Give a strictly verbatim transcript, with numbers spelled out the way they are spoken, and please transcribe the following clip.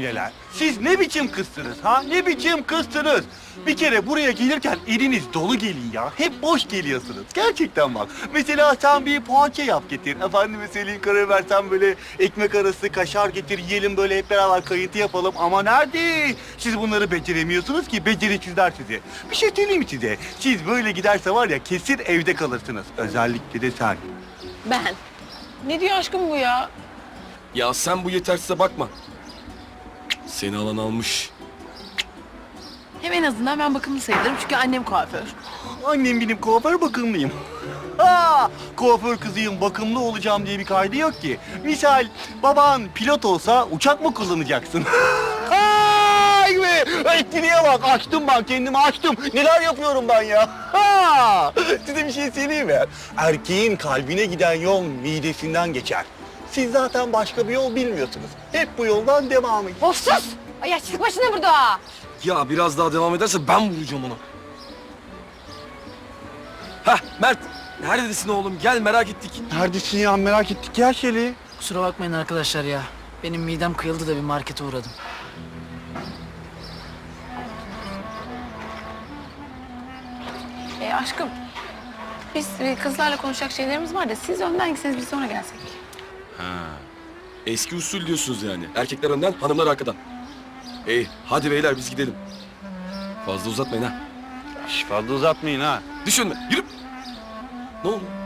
cemileler. Siz ne biçim kızsınız ha? Ne biçim kızsınız? Bir kere buraya gelirken eliniz dolu gelin ya. Hep boş geliyorsunuz. Gerçekten bak. Mesela sen bir poğaça yap getir. Efendime söyleyeyim, karar versen böyle ekmek arası kaşar getir. Yiyelim böyle hep beraber kayıntı yapalım. Ama nerede? Siz bunları beceremiyorsunuz ki. Beceriksizler sizi. Bir şey söyleyeyim mi size? Siz böyle giderse var ya kesin evde kalırsınız. Özellikle de sen. Ben. Ne diyor aşkım bu ya? Ya sen bu yetersize bakma. Seni alan almış. Hem en azından ben bakımlı sayılırım çünkü annem kuaför. Annem benim kuaför bakımlıyım. Ha, kuaför kızıyım, bakımlı olacağım diye bir kaydı yok ki. Misal baban pilot olsa uçak mı kullanacaksın? Ay be! Etkinliğe bak, açtım ben, kendimi açtım. Neler yapıyorum ben ya? Ha! Size bir şey söyleyeyim mi? Erkeğin kalbine giden yol midesinden geçer. Siz zaten başka bir yol bilmiyorsunuz. Hep bu yoldan devam edin. Of sus! Ay yaşlılık başına burada. Ya biraz daha devam ederse ben vuracağım onu. Hah Mert, neredesin oğlum? Gel, merak ettik. Neredesin ya? Merak ettik ya Şeli. Kusura bakmayın arkadaşlar ya. Benim midem kıyıldı da bir markete uğradım. E aşkım, biz e, kızlarla konuşacak şeylerimiz var da siz önden gitseniz biz sonra gelsek. Eski usul diyorsunuz yani. Erkekler önden, hanımlar arkadan. İyi, hadi beyler biz gidelim. Fazla uzatmayın ha. Şş, fazla uzatmayın ha. Düşünme, yürü. Ne oldu?